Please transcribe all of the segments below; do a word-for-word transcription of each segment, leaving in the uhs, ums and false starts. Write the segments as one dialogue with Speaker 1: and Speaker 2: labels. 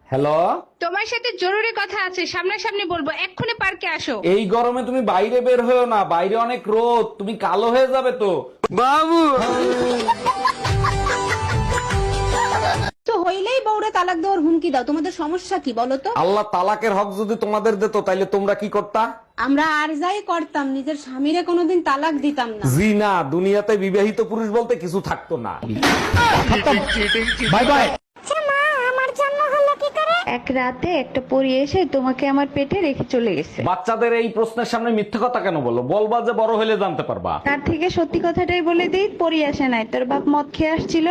Speaker 1: Hello,
Speaker 2: তোমার সাথে জরুরি কথা আছে, সামনাসামনি বলবো, এক্ষুনি পার্কে আসো।
Speaker 1: এই গরমে তুমি বাইরে বের হয়েও না, বাইরে অনেক রোদ, তুমি কালো হয়ে যাবে তো। বাবু,
Speaker 3: তো হইলেই বউরে তালাক দেওয়ার হুমকি দাও, তোমাদের সমস্যা কি বলো তো?
Speaker 1: আল্লাহ তালাকের হক যদি তোমাদের দিত তাইলে তোমরা কি করতা?
Speaker 3: আমরা আর যাই করতাম, নিজের স্বামীরে কোনোদিন তালাক দিতাম না।
Speaker 1: জি না, দুনিয়াতে বিবাহিত পুরুষ বলতে কিছু থাকতো না। Bye bye.
Speaker 4: এক রাতে একটা পরী এসে তোমাকে আমার পেটে রেখে চলে গেছে।
Speaker 1: বাচ্চাদের এই প্রশ্নের সামনে মিথ্যে কথা কেন বলো? বলবা যে বড় হলে জানতে পারবা।
Speaker 4: তার থেকে সত্যি কথাটাই বলে দিই, পরী আসে নাই, তোর বাপ মদ খেয়ে আসছিল।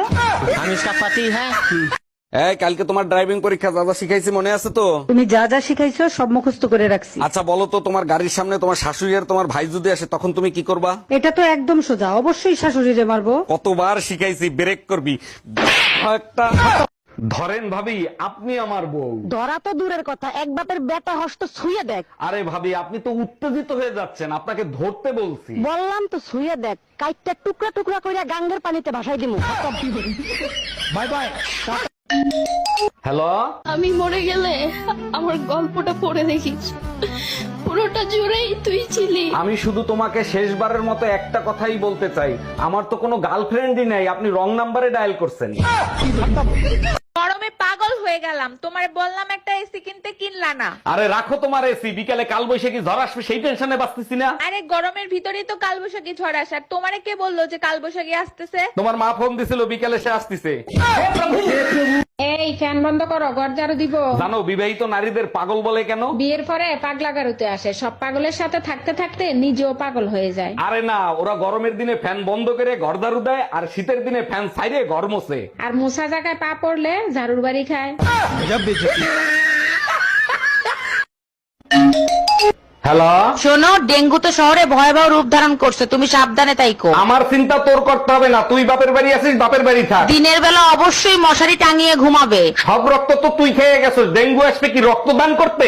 Speaker 1: এই কালকে তোমার ড্রাইভিং পরীক্ষা, যা যা শিখাইছি মনে আছে তো?
Speaker 5: তুমি যা যা শিখাইছো সব মুখস্থ করে রাখছি।
Speaker 1: আচ্ছা বলো তো, তোমার গাড়ির সামনে তোমার শাশুড়ি আর তোমার ভাই যদি আসে তখন তুমি কি করবা?
Speaker 5: এটা তো একদম সোজা, অবশ্যই শাশুড়িরে মারবো।
Speaker 1: কতবার শিখাইছি, ব্রেক করবি একটা। ধরেন ভাবি, আপনি আমার বউ।
Speaker 5: ধরা তো দূরের কথা, এক বাপের বেটা হস্ত ছুঁয়ে দেখ।
Speaker 1: আরে ভাবি, আপনি তো উত্তেজিত হয়ে যাচ্ছেন, আপনাকে ধরতে বলছি।
Speaker 5: বললাম তো ছুঁয়ে দেখ, কাইটটা টুকরা টুকরা কইরা গাঙ্গের পানিতে ভাসাই দিমু।
Speaker 1: Bye bye. হ্যালো,
Speaker 6: আমি মরে গেলে আমার গল্পটা পড়ে দেখিস, পুরোটা জুড়েই তুই ছিলি।
Speaker 1: আমি শুধু তোমাকে শেষবারের মতো একটা কথাই বলতে চাই, আমার তো কোনো গার্লফ্রেন্ডই নাই, আপনি রং নাম্বারে ডায়াল করছেন।
Speaker 2: গরমে পাগল হয়ে গেলাম, তোমার বললাম একটা এসি কিনতে, কিনলা না।
Speaker 1: আরে রাখো তোমার এসি, বিকালে কাল বৈশাখী ঝড় আসবে সেই টেনশনে বাঁচতেছি না।
Speaker 2: আরে গরমের ভিতরেই তো কালবৈশাখী ঝড় আসার, তোমারে কে বললো যে কালবৈশাখী আসতেছে?
Speaker 1: তোমার মা ফোন দিছিল বিকালে সে আসতেছে।
Speaker 3: এই ফ্যান বন্ধ করো, ঘর ঝাড়ু দিব।
Speaker 1: জানো বিবাহিত নারীদের পাগল বলে কেন?
Speaker 3: বিয়ের পরে পাগলা গারুতে আসে, সব পাগলের সাথে থাকতে থাকতে নিজেও পাগল হয়ে যায়।
Speaker 1: আরে না, ওরা গরমের দিনে ফ্যান বন্ধ করে ঘর ঝাড়ু দেয়, আর শীতের দিনে ফ্যান ছাইরে ঘর মোছে।
Speaker 3: আর মুসা জায়গায় পা পড়লে ঝাড়ুর বাড়ি খায়।
Speaker 1: হ্যালো,
Speaker 7: শোনো, ডেঙ্গু তো শহরে ভয়াবহ রূপ ধারণ করছে, তুমি সাবধানে তাইকো।
Speaker 1: আমার চিন্তা তোর করতে হবে না, তুই বাপের বাড়ি আছিস, বাপের বাড়ি থাক।
Speaker 7: দিনের বেলা অবশ্যই মশারি টাঙিয়ে ঘুমাবে।
Speaker 1: সব রক্ত তো তুই খেয়ে গেছিস, ডেঙ্গু আসবে কি রক্তদান করতে?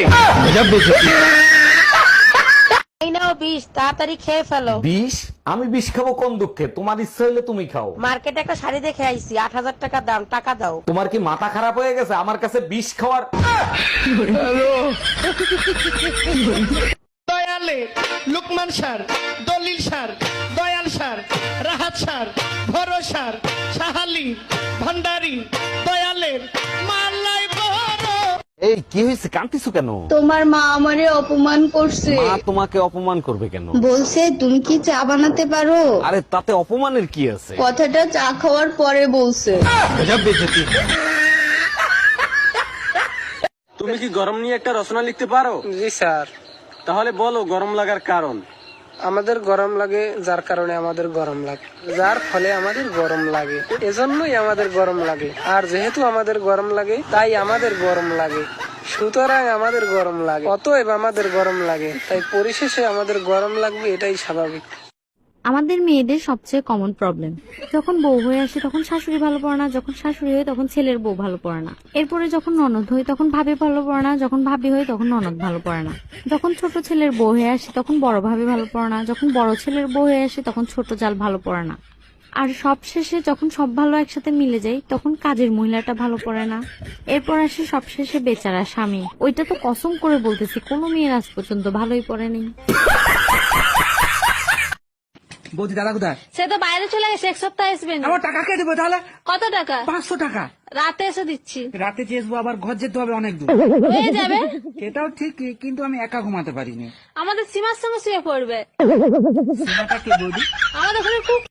Speaker 7: এই নাও বিষ, তাড়াতাড়ি খেয়ে ফেলো।
Speaker 1: বিষ? আমি বিষ খাবো কোন দুঃখে? তোমার ইচ্ছা হইলে তুমি খাও।
Speaker 7: মার্কেটে একটা শাড়ি দেখে আইছি, আট হাজার টাকা দাম, টাকা দাও।
Speaker 1: তোমার কি মাথা খারাপ হয়ে গেছে আমার কাছে বিষ খাওয়ার?
Speaker 8: দয়ালে লুকমান সার, দলিল সার, দয়াল সার, রাহাত সার, ভরসার, সাহালি, ভান্ডারি, দয়ালের মালাই বড়।
Speaker 1: এই কি হয়েছে, কান্তিছো কেন?
Speaker 6: তোমার মা আমারে অপমান করছে,
Speaker 1: মা তোমাকে অপমান করবে কেন?
Speaker 6: বলছে তুমি কি চা বানাতে পারো।
Speaker 1: আরে তাতে অপমানের কি আছে?
Speaker 6: কথাটা চা খাওয়ার পরে বলছে।
Speaker 9: তুমি কি গরম নিয়ে একটা রচনা লিখতে পারো?
Speaker 10: জি স্যার।
Speaker 9: তাহলে বলো গরম লাগার কারণ।
Speaker 10: আমাদের গরম লাগে যার কারণে আমাদের গরম লাগে, যার ফলে আমাদের গরম লাগে, এজন্যই আমাদের গরম লাগে। আর যেহেতু আমাদের গরম লাগে তাই আমাদের গরম লাগে, সুতরাং আমাদের গরম লাগে, অতএব আমাদের গরম লাগে, তাই পরিশেষে আমাদের গরম লাগবে, এটাই স্বাভাবিক।
Speaker 11: আমাদের মেয়েদের সবচেয়ে কমন প্রবলেম, যখন বউ হয়ে আসে তখন শাশুড়ি ভালো পড়ে না, যখন শাশুড়ি হয় তখন ছেলের বউ ভালো পড়ে না, এরপরে যখন ননদ হয় তখন ভাবি ভালো পড়ে না, যখন ভাবি হয় তখন ননদ ভালো পড়ে না, যখন ছোট ছেলের বউ হয়ে আসে তখন বড় ভাবি ভালো পড়ে না, যখন বড় ছেলের বউ হয়ে আসে তখন ছোট জাল ভালো পড়ে না, আর সব শেষে যখন সব ভালো একসাথে মিলে যায় তখন কাজের মহিলাটা ভালো পড়ে না। এরপর আসে সবশেষে বেচারা স্বামী, ওইটা তো কসম করে বলতেছি কোনো মেয়ের আজ পর্যন্ত ভালোই পড়েনি।
Speaker 5: বৌদি দাদা কোথায়?
Speaker 6: সে তো বাইরে চলে গেছে, এক সপ্তাহ আসবে না।
Speaker 5: আমার টাকা কে দেবো তাহলে?
Speaker 6: কত টাকা?
Speaker 5: পাঁচশো টাকা।
Speaker 6: রাতে এসে দিচ্ছি।
Speaker 5: রাতে চেয়েছবো, আবার ঘর যেতে হবে অনেক দূর।
Speaker 6: হয়ে যাবে।
Speaker 5: সেটাও ঠিক, কিন্তু আমি একা ঘুমাতে পারিনি।
Speaker 6: আমাদের সীমার সঙ্গে শুয়ে পড়বে।
Speaker 5: সীমাটা কে বৌদি?
Speaker 6: আমাদের ঘরে খুব